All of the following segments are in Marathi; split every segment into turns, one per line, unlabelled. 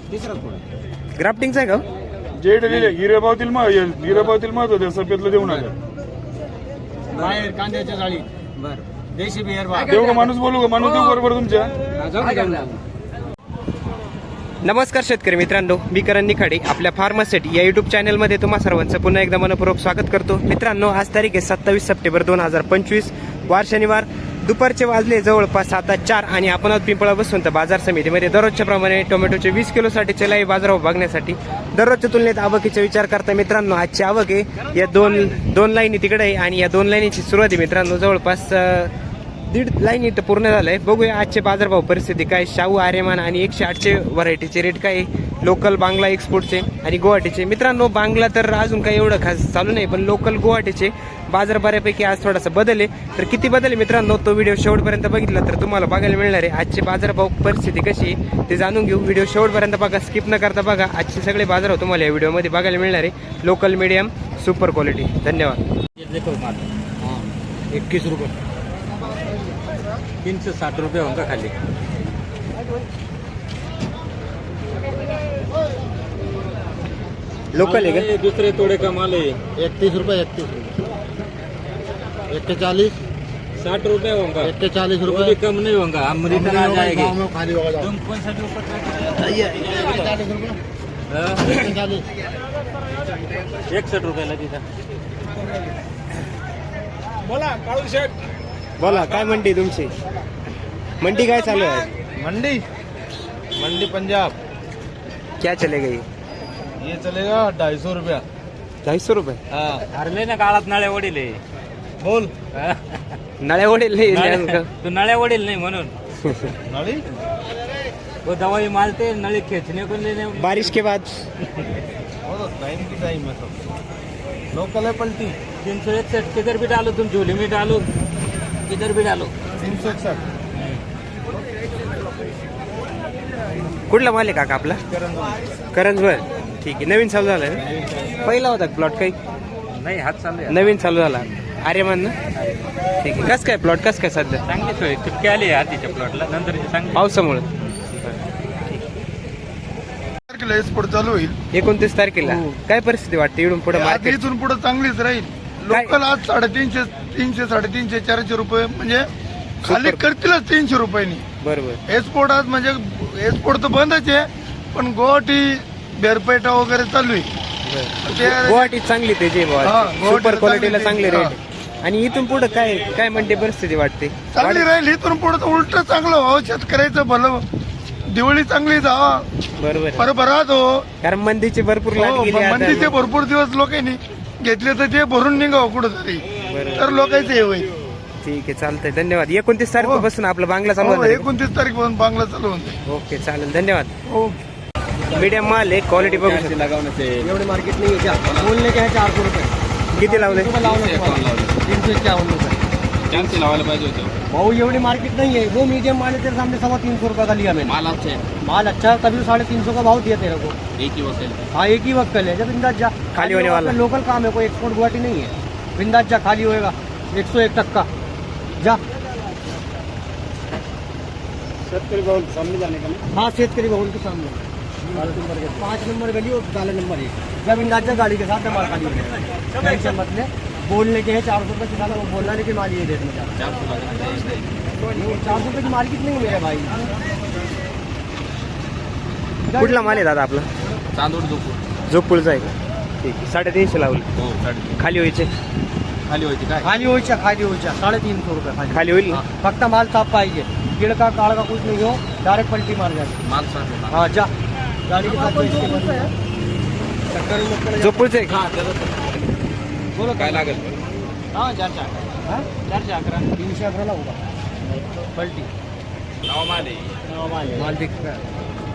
ग्राफ्टिंगचा आहे का?
जेड हिरेबावतील महत्व सफेदला देऊ नका.
बाहेर कांद्याच्या जाळी बर देशी बियर
देऊ का माणूस बोलू का माणूस देऊ बरोबर तुमच्या.
नमस्कार शेतकरी मित्रांनो, मी करण निखाडे आपल्या फार्मासेट या युट्यूब चॅनलमध्ये तुम्हा सर्वांचं पुन्हा एकदा मनपूर्वक स्वागत करतो. मित्रांनो, आज तारीख आहे 27 सप्टेंबर 2025, वार शनिवार. दुपारचे वाजले जवळपास 7:04 आणि आपण आज पिंपळा बसून तर बाजार समितीमध्ये दररोजच्या प्रमाणे टोमॅटोचे 20 किलोसाठीचे लाईव्ह बाजारभाव बघण्यासाठी दररोजच्या तुलनेत आवकीचा विचार करता. मित्रांनो, आजची आवक आहे या दोन लाईनी तिकडे आहे आणि या 2 लाईनीची सुरुवात आहे मित्रांनो जवळपास 1.5 लाईन इथं पूर्ण झालंय. बघूया आजचे बाजारभाव परिस्थिती काय. शाहू, आर्यमान आणि 108चे व्हरायटीचे रेट काय, लोकल बांगला एक्सपोर्टचे आणि गुवाहाटीचे. मित्रांनो, बांगला तर अजून काही एवढं खास चालू नाही, पण लोकल गुवाहाटीचे बाजार बऱ्यापैकी आज थोडासा बदल आहे. तर किती बदल आहे मित्रांनो, तो व्हिडिओ शेवटपर्यंत बघितला तर तुम्हाला बघायला मिळणार आहे. आजचे बाजारभाव परिस्थिती कशी आहे ते जाणून घेऊ. व्हिडिओ शेवटपर्यंत बघा, स्किप न करता बघा. आजचे सगळे बाजारभाव तुम्हाला या व्हिडिओमध्ये बघायला मिळणार आहे. Local, medium, super quality. धन्यवाद.
21 रुपये 360 रुपये होगा खाली.
लोकल आहे का?
दूसरे तोड़े का माल है.
31 रुपये 41
60 रुपये होगा.
40
वो भी कम नहीं होगा. हम रिटर्न आ जाएंगे.
खाली होगा.
तुम कौन सा ऊपर
40 रुपये 40
61 रुपये लगी था.
बोला काळू शेठ.
बोला, काय मंडी तुमची? मंडी काय चालू आहे?
मंडी पंजाब
क्या चलेगा
ये चलेगा 250 रुपया.
250 रुपये?
हरले ना काळात नळ्या वडील आहे.
बोल
नळ्या वडील नाही.
तू नळ्या वडील नहीं म्हणून.
नाली
वो दवाई मारते नली खींचने को लेने.
बारिश के बाद
टाइम की टाइम है सब. लोकल है पलटी
361 किधर भी डालो तुम, झोली में डालो किधर भी डालो.
361
कुठला माल आहे काका आपला? करंजवर. ठीक आहे. नवीन चालू झालं ना? पहिला होता प्लॉट काही
नाही हात चालू आहे.
नवीन चालू झाला. आर्यमान ना? ठीक आहे. कसं काय प्लॉट कसं काय सध्या?
चांगली सोय चुटकी आली आधीच्या प्लॉटला, नंतर चांगली.
पावसामुळे
तारखेला एक्सपोर्ट चालू होईल.
29 तारखेला काय परिस्थिती वाटते इकडून पुढे
आता
मार्केट?
इथून पुढे चांगलीच राहील. लोकल आज 350, 300, 400 रुपये म्हणजे खाली
सुपर.
करतीलच 300 रुपयांनी.
बरोबर.
एक्सपोर्ट आज म्हणजे एक्सपोर्ट तर बंदच आहे, पण गुवाहाटी बेरपेटा वगैरे चालू आहे. ते-
गुवाहाटी चांगली त्याची
हा, गुवाहाटीला
सुपर क्वालिटीला
चांगली
चांगले
हा.
रेट. आणि इथून पुढे काय काय म्हणते परिस्थिती वाटते?
चांगली राहील. इथून पुढे तर उलट चांगलं व्हावं, शेतकऱ्याचं भलं. दिवाळी चांगली जावा,
बरोबर आहे.
भरभराट हो.
कारण मंदीची भरपूर लाट
हो,
गेली आता.
मंदीचे भरपूर दिवस लोकांनी घेतले तर ते भरून निघावं कुठंतरी,
बरोबर.
तर लोकांचं हे होईल.
ठीक आहे, चालतंय. धन्यवाद. 29 तारखेपासून आपलं बांगला चालू होणार आहे.
29 तारीख बांगला चालू होते.
ओके, चालेल. धन्यवाद.
हो.
मीडियम माल आहे, क्वालिटी बघू शकता.
लगाने से
एवढे मार्केट नाही आहे. क्या बोलने के है 400 रुपये.
किती लावले?
351 रुपये.
चांगली लावायला पाहिजे होतं.
भाऊ एवढी मार्केट नहीं है. वो मीडियम माल है तेरे सामने 350 रुपये का लिया मैंने.
माल अच्छे
माल अच्छा तभी 350 का भाव दिया तेरे को.
एक ही वक्त.
हाँ, एक ही वक्त है. जब बिंदास जा.
खाली होने वाला.
लोकल काम है, कोई एक्सपोर्ट गुवाहाटी नहीं है. बिंदास जा, खाली होएगा 101% जा.
शेतकरी भाऊ सामने जाने का.
हाँ, शेतकरी भवन के सामने 5 नंबर गली और काले नंबर 1. जब इंदाज जा गाड़ी के साथ माल खाली हो गया. टेंशन मत ले. बोलने के है 400 रुपये सिखाना, वो बोलना नहीं कि माल ये रेट में जा. 400 रुपये की मार्केट नहीं है मेरे भाई.
कुठला माल आहे दादा आपला?
चांदोड झोपूर.
जोगपूरचा आहे का? ठीक आहे. 350 लावले.
हो 350
खाली व्हायचे?
खाली व्हायची काय.
खाली हो 350 रुपये खाली.
खाली होईल ना?
हाँ, फक्त माल साफ पाहिजे. कीड़ का काड़ का कुछ नहीं हो, डायरेक्ट पलटी मार जाती.
माल सांग.
हाँ, जा गाड़ी के साथ बैठ के बस. चक्कर में मत करे.
जोगपूरचे आहे का?
बोलो
काय लागेल?
हाँ, 411 311 होगा पलटी.
नाव माल आहे.
माल बिक रहा है.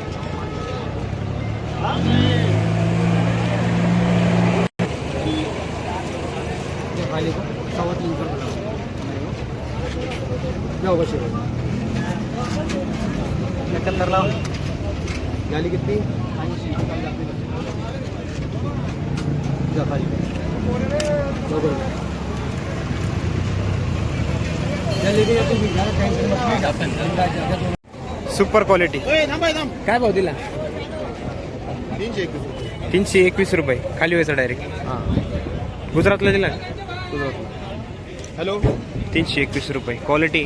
ये खाली को 350 रुपये जाओ बस. 71 लाओ. गाली कितनी? 80. जा खाली
सुपर क्वालिटी काय भाव दिला? 321 रुपये खाली व्हायचा डायरेक्ट. गुजरातला दिला
हॅलो
321 रुपये. क्वालिटी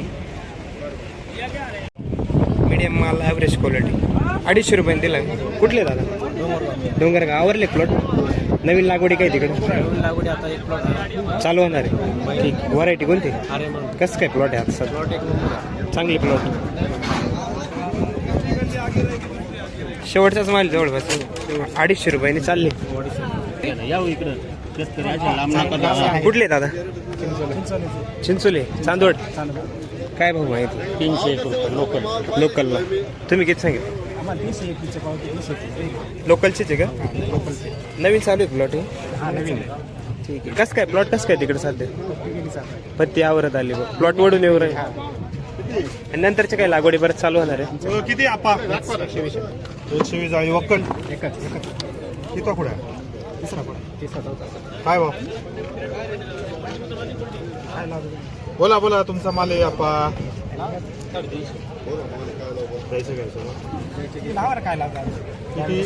मीडियम माल, ॲव्हरेज क्वालिटी. 250 रुपयाने दिला. कुठले दादा? डोंगरगाव. आवरले प्लॉट? नवीन लागवडी काय तिकडे
लागवडी आता एक प्लॉट
चालू होणार आहे? ठीक. व्हरायटी कोणती?
अरे मग
कसं काय प्लॉट आहे आता सर?
प्लॉट एक नंबर.
चांगली प्लॉट. शेवटचाच माल जवळपास 250 रुपयाने चालले.
यावं इकडं
कुठले दादा? चिंचोले. चांदवड. काय भाऊ माहिती?
301 रुपये लोकल.
लोकलला तुम्ही किती सांगितलं?
आम्हाला 321 पावती 321.
लोकलचेच आहे का? नवीन चालू आहे प्लॉट हे?
हा नवीन
ठीक आहे. कसं काय प्लॉट कसं काय तिकडे सध्या? पत्ती आवरत आली बघ. प्लॉट वडून येऊ राहील. आणि नंतरच्या काही लागवडी परत चालू होणार आहे?
किती आपा 120 जाळी वक्कल किती कुठे काय भाव? बोला बोला तुमचा माल आहे आपा. द्यायचं घ्यायचं
काय लागतात
किती?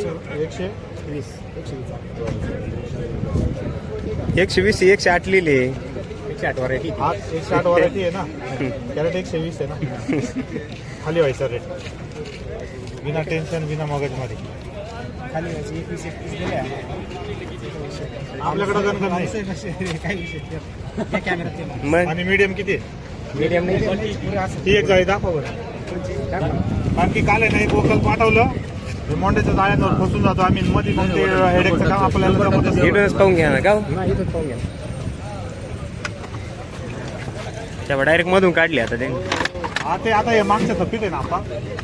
120 108 लिहिले.
108 व्हरायटी.
160 वरायटी आहे ना. कॅरेट 120 आहे ना. खाली व्हायचा रेट बिना टेन्शन बिना मगजमध्ये.
खाली 21 दिले
आपल्याकडे गणगण नाही.
काय विषय कॅमेरा
मग
आणि मीडियम किती आहे?
मीडियम नाही
ती एक जाळी दाखवा बरं. कारण की काल आहे ना एक वकल पाठवलं हे मोंड्याच्या जाळ्यांवर फसून जातो आम्ही मध्ये मग ते हेडेकचं काम आपल्याला जमत असेल.
इकडूनच पाहून घ्या ना गाव.
इथं पाहून घ्या.
तेव्हा डायरेक्ट मधून काढली आता त्यांनी.
हा ते आता हे मागच्या थप्पीत आहे ना आपा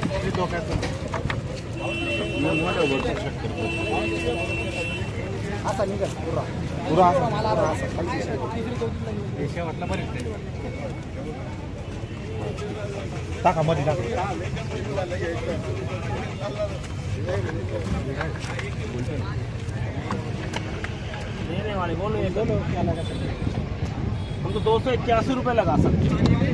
असा निघा पुरा
पुरा
मला असं 25 शेवटला बरेच
टाका मध्ये टाका.
देने वाले बोलो ये दोनों क्या लगा सकते? हमको 281 रुपये लगा सकते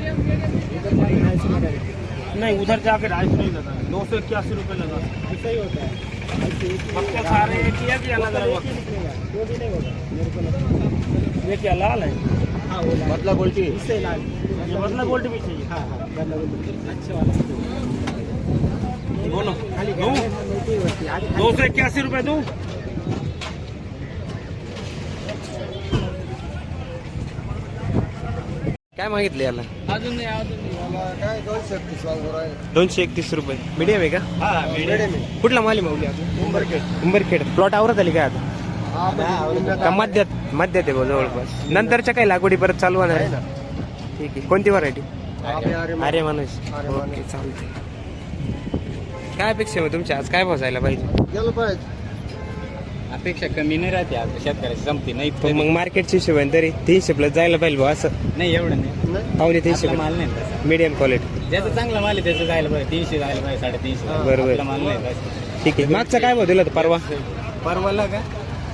नहीं, उधर जाके 250 नहीं लगा, 281 रुपये लगा सकते.
ऐसा ही होता है.
सबके सारे एक ही है कि अलग अलग वक्त?
वो भी नहीं होगा मेरे को लगता है.
ये क्या लाल है?
हाँ वो लाल.
बदला गोल्टी.
इससे लाल.
ये बदला गोल्टी भी चाहिए.
हाँ हाँ बदला गोल्ड. अच्छे वाला
बोलो
खाली
दूँ? 281 रुपये दूँ?
काय मागितले याला?
अजून नाही
काय
231 रुपये. मीडियम आहे का?
मीडियम
कुठला माल आहे माऊली? उंबरखेड. प्लॉट आवरत आली काय आता? का मध्यात आहे भाऊ जवळपास. नंतरच्या काही लागवडी परत चालू होणार आहे? ठीक आहे. कोणती व्हरायटी? अरे माणूस. ओके चालते. काय अपेक्षा आहे तुमच्या आज? काय भाव जायला पाहिजे?
गेलं पाहिजे.
अपेक्षा कमी नाही राहते आता शेतकऱ्याची जमती नाही.
पण मग मार्केटची हिशोबाने तरी 300 प्लस जायला पाहिजे भाऊ असं.
नाही एवढं नाही.
पावणे 300
आपला माल नाही तसा.
Medium quality.
ज्याचं चांगला माल आहे त्याचं जायला पाहिजे. 300 जायला पाहिजे, 350.
बरोबर.
आपला माल नाही तसा.
ठीक आहे. मागचा काय भाव दिला होता परवा?
परवाला का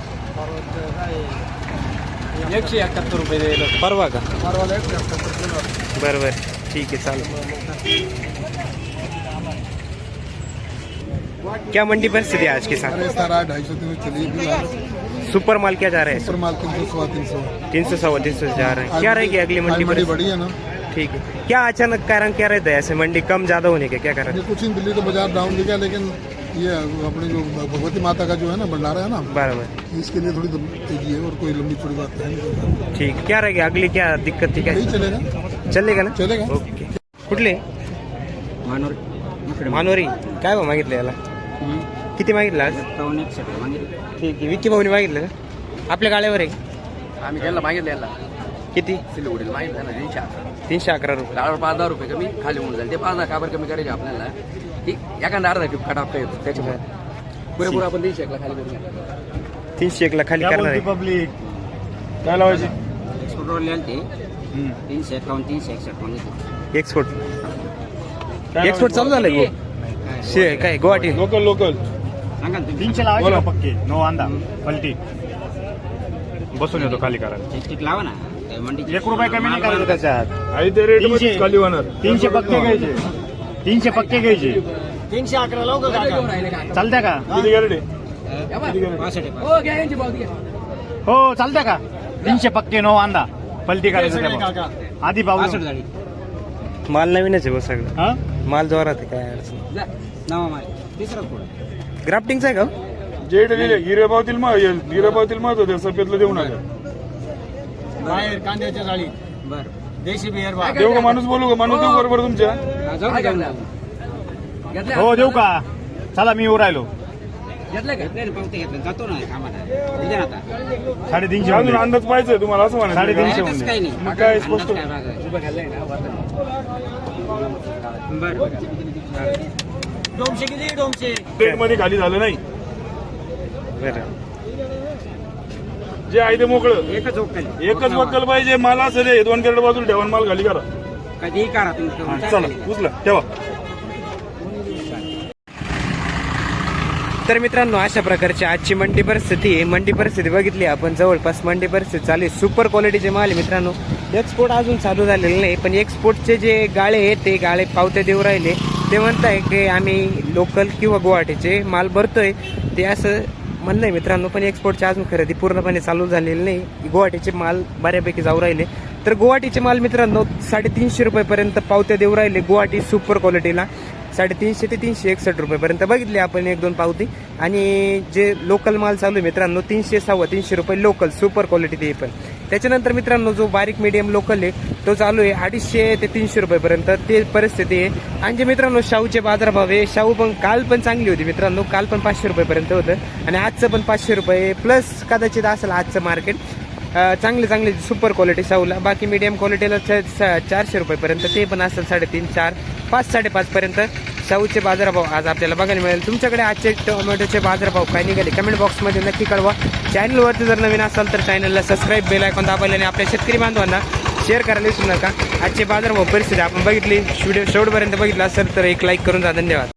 171 रुपये दिलं.
परवा का? बरोबर. ठीक है चालो. क्या मंडी परिस्थिति है आज के साथ?
अरे सर 250 दिन चलिए फिलहाल.
सुपर माल क्या जा रहा है?
सुपर माल 300
300 सवा 300 जा रहा है. क्या रहेगी अगली मंडी
मंडी
परिस्थिति?
बड़ी है ना.
ठीक है. क्या अचानक कारण क्या रहता है ऐसे मंडी कम ज्यादा होने के? क्या कारण?
ये कुछ दिन दिल्ली तो बाजार डाउन दिखा लेकिन ये अपने जो भगवती माता का जो है ना भंडारा है ना
बराबर.
इसके लिए थोड़ी तेजी है और कोई लंबी चौड़ी बात है नहीं.
ठीक. क्या रहेगी अगली क्या दिक्कत थी? क्या
नहीं चलेगा.
चलेगा ना?
चलेगा.
ओके. कुठले? मानोरी. काय भाव मागितले याला? किती मागितलं आज? ठीक आहे. विकी भाऊनी मागितलं का? आपल्या गाड्यावर आहे?
आम्ही त्यांना मागितलं यांना
किती?
सिलिगुडीला मागितलं ना
311 रुपये.
डाळवर 5,000 रुपये कमी खाली होऊन जाईल. ते 5,000 का बरं कमी करायचे आपल्याला की एखादा अर्धा टिप कट येतो त्याच्यामुळे पुरेपूर आपण 300 ला खाली करून
301 ला खाली करणार आहे.
पब्लिक काय लावायची?
पेट्रोल ते 351 361 मागितलं.
एक्सपोर्ट चालू झालंय गो. काय गुवाहाटी?
लोकल
सांगा ना तुम्ही.
300 लावायचे पक्के. नो अंदा पलटी बसून येतो खाली करायला.
ठीक लावा ना. मंडी
1 रुपया कमी नाही करायचं त्याच्यात. आणि ते रेट मध्ये खाली होणार. 300 पक्के घ्यायचे. 300 पक्के घ्यायचे.
311 लावू का काका?
राहिले का
चालत्या का? किती गॅरंटी?
या बा. हो घ्या यांची पावती घ्या.
हो चालतं का 300 पक्के नो वांदा पलटी करायचं त्याला. आधी पाहू
माल नवीनच आहे बघ सगळं.
हा
माल जोरात आहे, काय अडचण
जा.
ग्राफ्टिंगचा आहे का हो?
जे हिरेबावतील महत्व सफेदला देऊ नका.
बाहेर कांद्याच्या जाळी देशी बियर
काय
देऊ का
काय
माणूस बोलू का माणूस देऊ बरोबर तुमच्या
काय घेतलं? घेतलं?
हो देऊ का चला मी येऊ राहिलो.
घेतलं का?
350
अजून अंदाज पाहिजे तुम्हाला असं म्हणा
350 मध्ये.
मग काय स्पष्ट
उभं खाल्लंय ना
डोमशे किती डोमशे
ट्रेन मध्ये खाली झालं नाही.
बरं.
जे आहे ते मोकळं एकच वक्कल पाहिजे. माल असं रे 2 कॅरेट बाजूला ठेवा आणि माल खाली करा.
कधी करा
हा, चला उचला ठेवा.
तर मित्रांनो अशा प्रकारची आजची मंडी परिस्थिती आहे. मंडी परिस्थिती बघितली आपण, जवळपास मंडी परिस्थिती चालू आहे. सुपर क्वालिटीचे माल आहे मित्रांनो. एक्सपोर्ट अजून चालू झालेले नाही, पण एक्सपोर्टचे जे गाळे आहेत ते गाळे पावत्या देऊ राहिले. ते म्हणताय की आम्ही लोकल किंवा गुवाहाटीचे माल भरतोय, ते असं म्हणणं आहे मित्रांनो. पण एक्सपोर्टची अजून खरेदी पूर्णपणे चालू झालेली नाही. गुवाहाटीचे माल बऱ्यापैकी जाऊ राहिले. तर गुवाहाटीचे माल मित्रांनो 350 रुपयेपर्यंत पावत्या देऊ राहिले. गुवाहाटी सुपर क्वालिटीला 350 ते 361 रुपयेपर्यंत बघितली आपण 1-2 पावती. आणि जे लोकल माल चालू आहे मित्रांनो 300-350 रुपये लोकल सुपर क्वालिटी ते पण. त्याच्यानंतर मित्रांनो जो बारीक मीडियम लोकल आहे तो चालू आहे 250 ते 300 रुपयेपर्यंत ते परिस्थिती आहे. आणि जे मित्रांनो शाहूचे बाजारभाव आहे, शाहू पण काल पण चांगली होती मित्रांनो. काल पण 500 रुपयेपर्यंत होतं आणि आजचं पण 500 रुपये प्लस कदाचित असेल आजचं मार्केट. चांगले सुपर क्वालिटी शाहूला. बाकी मीडियम क्वालिटीला 400 रुपयेपर्यंत ते पण असेल 3.5, 4, 5, 5.5 पर्यंत शाहूचे बाजारभाव आज आपल्याला बघायला मिळेल. तुमच्याकडे आजचे टोमॅटोचे बाजारभाव काय निघाले कमेंट बॉक्समध्ये नक्की कळवा. चॅनलवरती जर नवीन असाल तर चॅनलला सबस्क्राईब, बेल आयकॉन दाबायला आणि आपल्या शेतकरी बांधवांना शेअर करायला विसरू नका. आजचे बाजारभाव परिस्थिती आपण बघितली. व्हिडिओ शेवटपर्यंत बघितला असेल तर एक लाईक करून जा. धन्यवाद.